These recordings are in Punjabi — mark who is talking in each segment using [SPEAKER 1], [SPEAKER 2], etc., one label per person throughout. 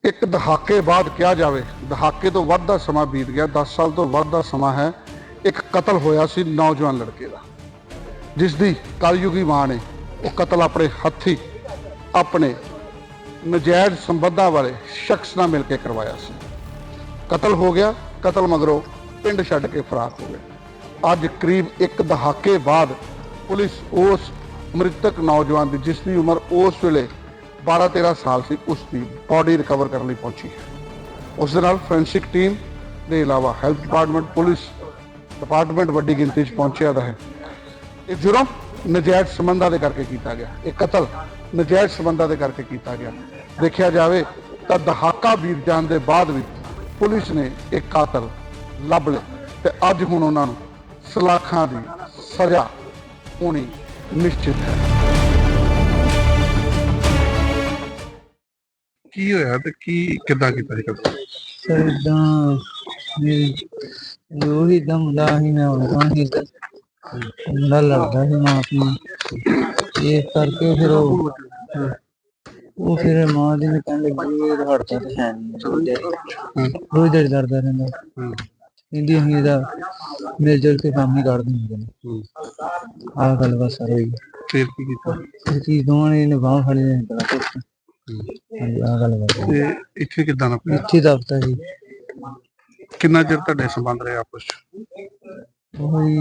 [SPEAKER 1] ਇੱਕ ਦਹਾਕੇ ਬਾਅਦ ਕਿਹਾ ਜਾਵੇ, ਦਹਾਕੇ ਤੋਂ ਵੱਧ ਦਾ ਸਮਾਂ ਬੀਤ ਗਿਆ, 10 ਸਾਲ ਤੋਂ ਵੱਧ ਦਾ ਸਮਾਂ ਹੈ। ਇੱਕ ਕਤਲ ਹੋਇਆ ਸੀ ਨੌਜਵਾਨ ਲੜਕੇ ਦਾ, ਜਿਸ ਦੀ ਕਲਯੁਗੀ ਮਾਂ ਨੇ ਉਹ ਕਤਲ ਆਪਣੇ ਹੱਥੀਂ ਆਪਣੇ ਨਜਾਇਜ਼ ਸੰਬੰਧਾਂ ਵਾਲੇ ਸ਼ਖਸ ਨਾਲ ਮਿਲ ਕੇ ਕਰਵਾਇਆ ਸੀ। ਕਤਲ ਹੋ ਗਿਆ, ਕਤਲ ਮਗਰੋਂ ਪਿੰਡ ਛੱਡ ਕੇ ਫਰਾਰ ਹੋ ਗਏ। ਅੱਜ ਕਰੀਬ ਇੱਕ ਦਹਾਕੇ ਬਾਅਦ ਪੁਲਿਸ ਉਸ ਮ੍ਰਿਤਕ ਨੌਜਵਾਨ ਦੀ, ਜਿਸ ਦੀ ਉਮਰ ਉਸ ਵੇਲੇ 12-13 ਸਾਲ ਸੀ, ਉਸ ਦੀ ਬੋਡੀ ਰਿਕਵਰ ਕਰਨ ਲਈ ਪਹੁੰਚੀ ਹੈ। ਉਸ ਦੇ ਨਾਲ ਫੋਰੈਂਸਿਕ ਟੀਮ ਦੇ ਇਲਾਵਾ ਹੈਲਥ ਡਿਪਾਰਟਮੈਂਟ, ਪੁਲਿਸ ਡਿਪਾਰਟਮੈਂਟ ਵੱਡੀ ਗਿਣਤੀ 'ਚ ਪਹੁੰਚਿਆ ਦਾ ਹੈ। ਇਹ ਜੁਰਮ ਨਜਾਇਜ਼ ਸੰਬੰਧਾਂ ਦੇ ਕਰਕੇ ਕੀਤਾ ਗਿਆ, ਇਹ ਕਤਲ ਨਜਾਇਜ਼ ਸੰਬੰਧਾਂ ਦੇ ਕਰਕੇ ਕੀਤਾ ਗਿਆ। ਦੇਖਿਆ ਜਾਵੇ ਤਾਂ ਦਹਾਕਾ ਬੀਤ ਜਾਣ ਦੇ ਬਾਅਦ ਵੀ ਪੁਲਿਸ ਨੇ ਇੱਕ ਕਾਤਲ ਲੱਭ ਲਿਆ ਤੇ ਅੱਜ ਹੁਣ ਉਹਨਾਂ ਨੂੰ ਸਲਾਖਾਂ ਦੀ ਸਜ਼ਾ ਹੋਣੀ ਨਿਸ਼ਚਿਤ ਹੈ। ਕੀ ਹੋਇਆ ਤੇ ਕਿੱਦਾਂ ਕੀਤਾ ਜੀ ਕਤਲ?
[SPEAKER 2] ਸਰ ਇਦਾਂ ਉਹੀ ਦਾ ਮੁੰਡਾ ਹੀ ਮੈਂ ਉਹਨਾਂ ਹੀ ਮੁੰਡਾ ਲੜਦਾ ਸੀ ਮਾਂ ਆਪਣੀ, ਇਸ ਕਰਕੇ ਫਿਰ ਉਹ ਫਿਰ ਮਾਂ ਦੀ ਨੇ ਕਹਿਣ ਲੱਗੀ ਹੜਤਾ ਤੇ ਹੈ ਨਹੀਂ, ਰੋਜ਼ ਦਿਹਾੜੀ ਲੜਦਾ ਰਹਿੰਦਾ। ਕਹਿੰਦੀ ਅਸੀਂ ਇਹਦਾ ਮਿਲ ਜੁਲ ਕੇ ਕੰਮ ਹੀ ਕੱਢਦੇ ਹੁੰਦੇ ਨੇ। ਆਹ ਗੱਲ ਬਸ ਸਰ ਹੋਈ।
[SPEAKER 1] ਫਿਰ ਕੀ ਕੀਤਾ?
[SPEAKER 2] ਫਿਰ ਕੀ ਦੋਵਾਂ ਨੇ ਬਾਂਹ ਫੜੀ ਨੇ ਬੜਾ ਕੁਛ। ਹਾਂਜੀ ਆਹ ਗੱਲ ਬਸ।
[SPEAKER 1] ਇੱਥੇ ਕਿੱਦਾਂ ਦਾ ਪਿਆ?
[SPEAKER 2] ਇੱਥੇ ਦਫਤਰ ਜੀ।
[SPEAKER 1] ਕਿੰਨਾ ਚਿਰ ਤੁਹਾਡੇ ਸੰਬੰਧ ਰਹੇ ਆਪਸ ਚ?
[SPEAKER 2] ਉਹੀ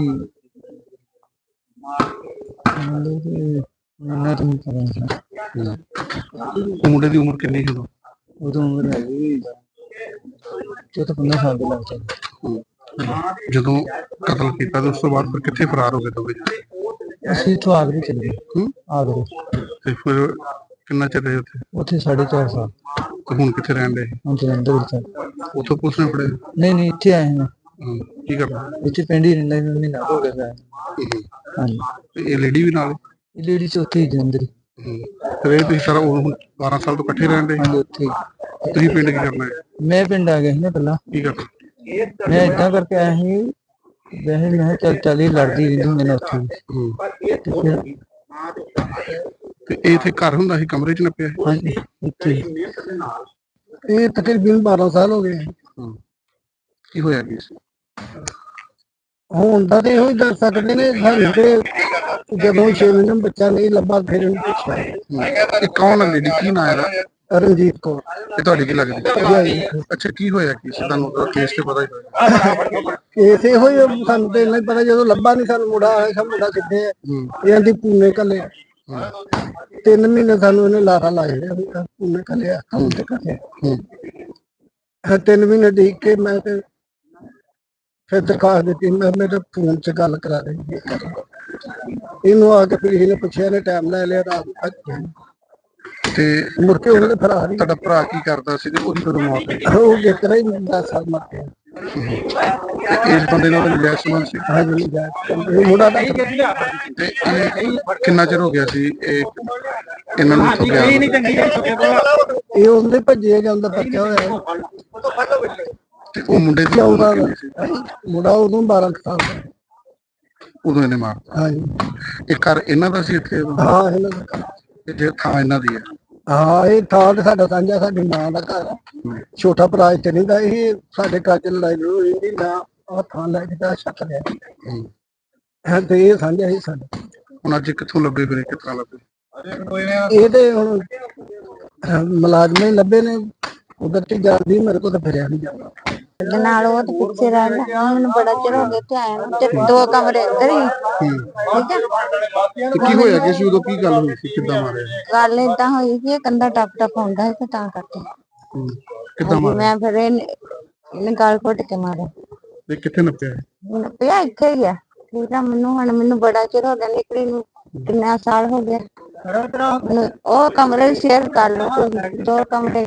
[SPEAKER 2] ਇਹਨਾਂ ਤੋਂ ਪਤਾ
[SPEAKER 1] ਮੁੰਡੇ ਦੀ ਉਮਰ ਕਿੰਨੀ ਸੀ ਉਦੋਂ?
[SPEAKER 2] ਉਦੋਂ ਉਮਰ ਹੈਗੀ 14-15 ਸਾਲ ਦੇ ਲੱਗ।
[SPEAKER 1] ਜਦੋਂ ਕਤਲ ਕੀਤਾ ਤੇ ਉਸ ਤੋਂ ਬਾਅਦ ਫਿਰ ਕਿੱਥੇ ਫਰਾਰ ਹੋ ਗਏ ਦੋਵੇਂ?
[SPEAKER 2] ਅਸੀਂ ਇੱਥੋਂ ਆਗਰੇ ਚਲੇ ਗਏ। ਆਗਰੇ।
[SPEAKER 1] ਤੇ ਫਿਰ ਕਿੰਨਾ ਚਿਰ ਰਹੇ ਉੱਥੇ?
[SPEAKER 2] ਉੱਥੇ 4.5 ਸਾਲ।
[SPEAKER 1] ਤੇ ਹੁਣ ਕਿੱਥੇ ਰਹਿਣ ਦੇ?
[SPEAKER 2] ਹੁਣ ਜਲੰਧਰ ਵਿੱਚ।
[SPEAKER 1] ਉੱਥੋਂ ਪੁਲਿਸ ਨੇ ਫੜੇ?
[SPEAKER 2] ਨਹੀਂ ਇੱਥੇ ਆਏ ਹਾਂ।
[SPEAKER 1] ਕੀ ਕਰਨਾ?
[SPEAKER 2] ਇੱਥੇ ਪਿੰਡ ਹੀ ਰਹਿੰਦਾ, ਮਹੀਨਾ ਹੋ ਗਿਆ। ਹਾਂਜੀ।
[SPEAKER 1] ਇਹ ਲੇਡੀ ਵੀ ਨਾਲ?
[SPEAKER 2] ਇਹ ਲੇਡੀ ਚੌਥੀ ਜਲੰਧਰ।
[SPEAKER 1] ਤੇ ਇਹ ਤੁਸੀਂ ਸਾਰਾ 12 ਸਾਲ ਤੋਂ ਇਕੱਠੇ ਰਹਿੰਦੇ?
[SPEAKER 2] ਹਾਂਜੀ ਉੱਥੇ।
[SPEAKER 1] ਤੁਸੀਂ ਪਿੰਡ ਕੀ ਕਰਨਾ ਹੈ?
[SPEAKER 2] ਮੈਂ ਪਿੰਡ ਆ ਗਿਆ ਸੀ ਨਾ ਪਹਿਲਾਂ।
[SPEAKER 1] ਕੀ ਕਰਨਾ?
[SPEAKER 2] ਮੈਂ ਏਦਾਂ ਕਰਕੇ ਆਇਆ ਸੀ, ਵੈਸੇ ਮੈਂ ਚੱਲ ਇਹ ਲੜਦੀ ਰਹਿੰਦੀ ਹੁੰਦੀ ਨੇ ਉੱਥੇ।
[SPEAKER 1] ਤੇ ਇਹ ਇੱਥੇ ਘਰ ਹੁੰਦਾ ਸੀ, ਕਮਰੇ 'ਚ ਨੱਪਿਆ?
[SPEAKER 2] ਹਾਂਜੀ ਇੱਥੇ। ਇਹ ਤਕਰੀਬਨ 12 ਸਾਲ ਹੋ ਗਏ।
[SPEAKER 1] ਕੀ ਹੋਇਆ ਕੀ ਸੀ?
[SPEAKER 2] ਹੁਣ ਤਾਂ ਤੇ ਇਹੋ ਹੀ ਦੱਸ ਸਕਦੇ ਨੇ ਸਾਨੂੰ ਤੇ, ਜਦੋਂ 6 ਮਹੀਨੇ ਬੱਚਾ ਨਹੀਂ ਲੱਭਾ ਫਿਰ ਇਹਨੂੰ ਪੁੱਛਿਆ।
[SPEAKER 1] ਇਹ ਕੌਣ ਹੈ ਲੇਡੀ? ਕੀ ਨਾਂ ਹੈ ਇਹਦਾ?
[SPEAKER 2] ਰਣਜੀਤ ਕੌਰ।
[SPEAKER 1] ਇਹ ਤੁਹਾਡੀ ਕੀ ਲੱਗਦੀ? ਅੱਛਾ, ਕੀ ਹੋਇਆ ਕੀ ਸੀ? ਤੁਹਾਨੂੰ ਕੇਸ ਤੇ ਪਤਾ ਹੀ ਹੋਇਆ?
[SPEAKER 2] ਕੇਸ ਇਹੋ ਹੀ ਸਾਨੂੰ ਤੇ ਨਹੀਂ ਪਤਾ, ਜਦੋਂ ਲੱਭਾ ਨਹੀਂ ਸਾਨੂੰ ਮੁੰਡਾ ਆਇਆ ਸਾ ਮੁੰਡਾ ਕਿੱਥੇ ਹੈ, ਇਹਨਾਂ ਦੀ ਪੂਨੇ ਕੱਲੇ 3 ਮਹੀਨੇ ਸਾਨੂੰ ਇਹਨੇ ਲਾਰਾ ਲਾਏ ਪੂਨੇ ਕੱਲਿਆ ਕੰਮ ਤੇ ਕਰਿਆ। 3 ਮਹੀਨੇ ਦੇਖ ਕੇ ਮੈਂ ਤੇ ਫਿਰ ਦਰਖਾਸਤ ਦਿੱਤੀ, ਮੈਂ ਮੇਰੇ ਫੋਨ 'ਚ ਗੱਲ ਕਰਾ ਦੇ। ਇਹਨੂੰ ਆ ਕੇ ਫਿਰ ਇਹਨੇ ਪੁੱਛਿਆ, ਇਹਨੇ ਟਾਈਮ ਲੈ ਲਿਆ ਰਾਤ ਤੱਕ।
[SPEAKER 1] ਤੇ
[SPEAKER 2] ਮੁੜ ਕੇ ਉਹਨੇ ਫਰਾਰ ਹੀ।
[SPEAKER 1] ਤੁਹਾਡਾ ਭਰਾ ਕੀ ਕਰਦਾ ਸੀ ਤੇ ਉਹਦੀ ਕਦੋਂ ਮੌਤ ਹੋਈ?
[SPEAKER 2] ਉਹ ਜਿੱਤਰਾ ਹੀ 10 ਸਾਲ ਮਰ ਗਿਆ।
[SPEAKER 1] ਇਸ ਬੰਦੇ ਨਾਲ ਨਜਾਇਜ਼ ਸੰਬੰਧ ਸੀ?
[SPEAKER 2] ਹਾਂਜੀ ਇਹ ਮੁੰਡਾ ਦਾ।
[SPEAKER 1] ਤੇ ਇਹ ਕਿੰਨਾ ਚਿਰ ਹੋ ਗਿਆ ਸੀ ਇਹਨਾਂ ਨੂੰ ਇੱਥੋਂ ਗਿਆ?
[SPEAKER 2] ਇਹ ਉਹਦੇ ਭੱਜੇ ਜਾਂਦਾ ਪੱਕਿਆ ਹੋਇਆ।
[SPEAKER 1] ਤੇ ਉਹ ਮੁੰਡੇ ਦੀ ਉਮਰ ਕਿੰਨੀ ਸੀ?
[SPEAKER 2] ਮੁੰਡਾ ਉਦੋਂ 12 ਸਾਲ ਦਾ।
[SPEAKER 1] ਉਦੋਂ ਇਹਨੇ ਮਾਰਤਾ?
[SPEAKER 2] ਹਾਂਜੀ।
[SPEAKER 1] ਇਹ ਘਰ ਇਹਨਾਂ ਦਾ ਸੀ ਇੱਥੇ?
[SPEAKER 2] ਹਾਂ ਇਹਨਾਂ ਦਾ।
[SPEAKER 1] ਜੇ ਥਾਂ ਇਹਨਾਂ ਦੀ ਹੈ?
[SPEAKER 2] ਹਾਂ ਇਹ ਥਾਂ ਤੇ ਸਾਡਾ ਸਾਂਝਾ, ਸਾਡੀ ਮਾਂ ਦਾ ਘਰ ਆ। ਛੋਟਾ ਭਰਾ ਇੱਥੇ ਨਹੀਂ ਦਾ, ਇਹ ਸਾਡੇ ਘਰ 'ਚ ਲੜਾਈ ਲੜੂਈ ਨਹੀਂ ਨਾ, ਆਹ ਥਾਂ ਲੈ ਕੇ ਤਾਂ ਛੱਕ ਲਿਆ ਤੇ ਇਹ ਸਾਂਝਾ ਹੀ ਸਾਡਾ।
[SPEAKER 1] ਹੁਣ ਅੱਜ ਕਿੱਥੋਂ ਲੱਭੇ ਫਿਰ? ਕਿੱਥਾਂ ਲੱਭੇ?
[SPEAKER 2] ਇਹ ਤੇ ਹੁਣ ਮੁਲਾਜ਼ਮ ਹੀ ਲੱਭੇ ਨੇ, ਉਧਰ ਤੇ ਜਾਂਦੀ ਮੇਰੇ ਕੋਲ ਤਾਂ ਫਿਰਿਆ ਨਹੀਂ ਜਾਂਦਾ।
[SPEAKER 3] ਨਾਲ ਉਹ ਤੇ ਪਿੱਛੇ ਰਹਿੰਦਾ, ਮੈਨੂੰ ਬੜਾ ਚਿਰ ਹੋ ਗਿਆ ਤੇ ਆਇਆ ਨੂੰ, ਤੇ 2 ਕਮਰੇ ਅੰਦਰ ਹੀ। ਠੀਕ ਹੈ।
[SPEAKER 1] ਤੇ ਕੀ ਹੋਇਆ ਕੀ ਸੀ ਉਦੋਂ? ਕੀ ਗੱਲ ਹੋਈ ਸੀ? ਕਿੱਦਾਂ ਮਾਰਿਆ?
[SPEAKER 3] ਗੱਲ ਏਦਾਂ ਹੋਈ ਕਿ ਇਹ ਕੰਧਾ ਟੱਪ ਹੁੰਦਾ ਸੀ ਤੇ ਤਾਂ ਕਰਕੇ।
[SPEAKER 1] ਕਿੱਦਾਂ ਮਾਰਿਆ?
[SPEAKER 3] ਮੈਂ ਫਿਰ ਇਹਨੇ ਗਾਲ ਘੁੱਟ ਕੇ ਮਾਰਿਆ।
[SPEAKER 1] ਤੇ ਕਿੱਥੇ ਨੱਪਿਆ?
[SPEAKER 3] ਪਿਆ ਇੱਥੇ ਹੀ ਆ। ਠੀਕ ਆ। ਮੈਨੂੰ ਬੜਾ ਚਿਰ ਹੋ ਗਿਆ ਨਿਕਲੀ ਨੂੰ, ਕਿੰਨਾ ਸਾਲ ਹੋ ਗਿਆ। ਉਹ ਕਮਰੇ ਸ਼ੇਅਰ ਕਰ ਲਓ, 2 ਕਮਰੇ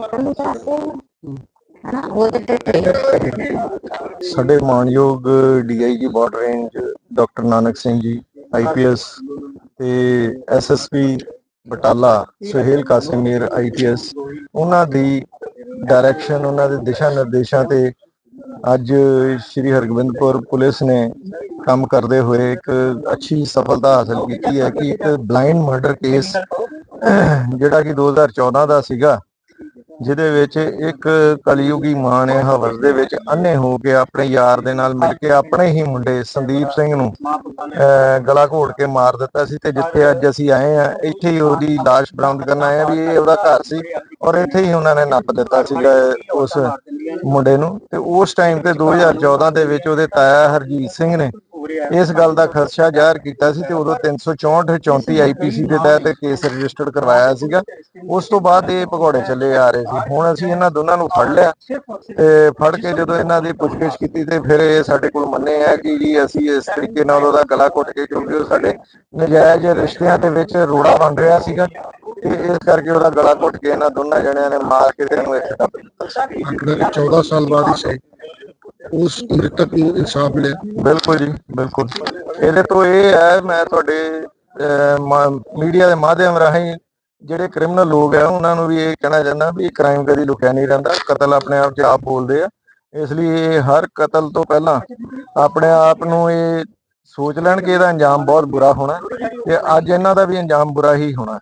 [SPEAKER 4] ਸਾਡੇ ਮਾਨਯੋਗ DIG border range doctor Nanak Singh ji IPS ਤੇ SSP ਬਟਾਲਾ ਸੁਹੇਲ ਕਾਸਿਮ ਮੀਰ IPS, ਉਹਨਾਂ ਦੀ ਡਾਇਰੈਕਸ਼ਨ, ਉਹਨਾਂ ਦੇ ਦਿਸ਼ਾ ਨਿਰਦੇਸ਼ਾਂ ਤੇ ਅੱਜ ਸ਼੍ਰੀ ਹਰਗੋਬਿੰਦਪੁਰ ਪੁਲਿਸ ਨੇ ਕੰਮ ਕਰਦੇ ਹੋਏ ਇੱਕ ਅੱਛੀ ਸਫਲਤਾ ਹਾਸਲ ਕੀਤੀ ਹੈ ਕਿ ਇੱਕ ਬਲਾਈਂਡ ਮਰਡਰ ਕੇਸ ਜਿਹੜਾ ਕਿ 2014 ਦਾ ਸੀਗਾ, ਜਿਹਦੇ ਵਿੱਚ ਇੱਕ ਕਲਯੁਗੀ ਮਾਂ ਨੇ ਹਵਸ ਦੇ ਵਿੱਚ ਅੰਨੇ ਹੋ ਕੇ ਆਪਣੇ ਯਾਰ ਦੇ ਨਾਲ ਮਿਲ ਕੇ ਆਪਣੇ ਹੀ ਮੁੰਡੇ ਸੰਦੀਪ ਸਿੰਘ ਨੂੰ ਗਲਾ ਘੋਟ ਕੇ ਮਾਰ ਦਿੱਤਾ ਸੀ। ਤੇ ਜਿੱਥੇ ਅੱਜ ਅਸੀਂ ਆਏ ਆ, ਇੱਥੇ ਹੀ ਉਹਦੀ ਲਾਸ਼ ਬਰਾਮਦ ਕਰਨ ਆਏ ਆ ਵੀ ਇਹ ਉਹਦਾ ਘਰ ਸੀ, ਔਰ ਇੱਥੇ ਹੀ ਉਹਨਾਂ ਨੇ ਨੱਪ ਦਿੱਤਾ ਸੀਗਾ ਉਸ ਮੁੰਡੇ ਨੂੰ। ਤੇ ਉਸ ਟਾਈਮ ਤੇ 2014 ਦੇ ਵਿੱਚ ਉਹਦੇ ਤਾਇਆ ਹਰਜੀਤ ਸਿੰਘ ਨੇ ਇਸ ਗੱਲ ਦਾ ਖਦਸ਼ਾ ਜ਼ਾਹਰ ਕੀਤਾ ਸੀ ਤੇ ਉਦੋਂ 364 34 ਆਈਪੀਸੀ ਦੇ ਤਹਿਤ ਕੇਸ ਰਜਿਸਟਰਡ ਕਰਵਾਇਆ ਸੀਗਾ। ਉਸ ਤੋਂ ਬਾਅਦ ਇਹ ਭਗੌੜੇ ਚੱਲੇ ਆ ਰਹੇ ਸੀ। ਹੁਣ ਅਸੀਂ ਇਹਨਾਂ ਦੋਨਾਂ ਨੂੰ ਫੜ ਲਿਆ ਤੇ ਫੜ ਕੇ ਜਦੋਂ ਇਹਨਾਂ ਦੀ ਪੁੱਛਗਿੱਛ ਕੀਤੀ ਤੇ ਫਿਰ ਇਹ ਸਾਡੇ ਕੋਲ ਮੰਨੇ ਆ ਕਿ ਜੀ ਅਸੀਂ ਇਸ ਤਰੀਕੇ ਨਾਲ ਉਹਦਾ ਗਲਾ ਘੁੱਟ ਕੇ, ਕਿਉਂਕਿ ਉਹ ਸਾਡੇ ਨਜਾਇਜ਼ ਰਿਸ਼ਤਿਆਂ ਦੇ ਵਿੱਚ ਰੋੜਾ ਬਣ ਰਿਹਾ ਸੀਗਾ, ਤੇ ਇਸ ਕਰਕੇ ਉਹਦਾ ਗਲਾ ਘੁੱਟ ਕੇ ਇਹਨਾਂ ਦੋਨਾਂ ਜਣਿਆਂ ਨੇ ਮਾਰ ਕੇ ਤੇ ਇਹਨੂੰ ਇੱਥੇ ਦੱਬ ਦਿੱਤਾ।
[SPEAKER 1] 14 ਸਾਲ ਬਾਅਦ ਹੀ ਸਹੀ ਉਸ ਮ੍ਰਿਤਕ ਨੂੰ ਇਨਸਾਫ ਮਿਲਿਆ।
[SPEAKER 4] ਬਿਲਕੁਲ ਜੀ, ਬਿਲਕੁਲ। ਇਹਦੇ ਤੋਂ ਇਹ ਹੈ, ਮੈਂ ਤੁਹਾਡੇ ਮੀਡੀਆ ਦੇ ਮਾਧਿਅਮ ਰਾਹੀਂ ਜਿਹੜੇ ਕ੍ਰਿਮੀਨਲ ਲੋਕ ਆ ਉਹਨਾਂ ਨੂੰ ਵੀ ਇਹ ਕਹਿਣਾ ਚਾਹੁੰਦਾ ਵੀ ਕ੍ਰਾਈਮ ਕਦੀ ਲੁਕਿਆ ਨਹੀਂ ਰਹਿੰਦਾ, ਕਤਲ ਆਪਣੇ ਆਪ 'ਚ ਆਪ ਬੋਲਦੇ ਆ। ਇਸ ਲਈ ਇਹ ਹਰ ਕਤਲ ਤੋਂ ਪਹਿਲਾਂ ਆਪਣੇ ਆਪ ਨੂੰ ਇਹ ਸੋਚ ਲੈਣ ਕਿ ਇਹਦਾ ਅੰਜਾਮ ਬਹੁਤ ਬੁਰਾ ਹੋਣਾ, ਤੇ ਅੱਜ ਇਹਨਾਂ ਦਾ ਵੀ ਅੰਜਾਮ ਬੁਰਾ ਹੀ ਹੋਣਾ।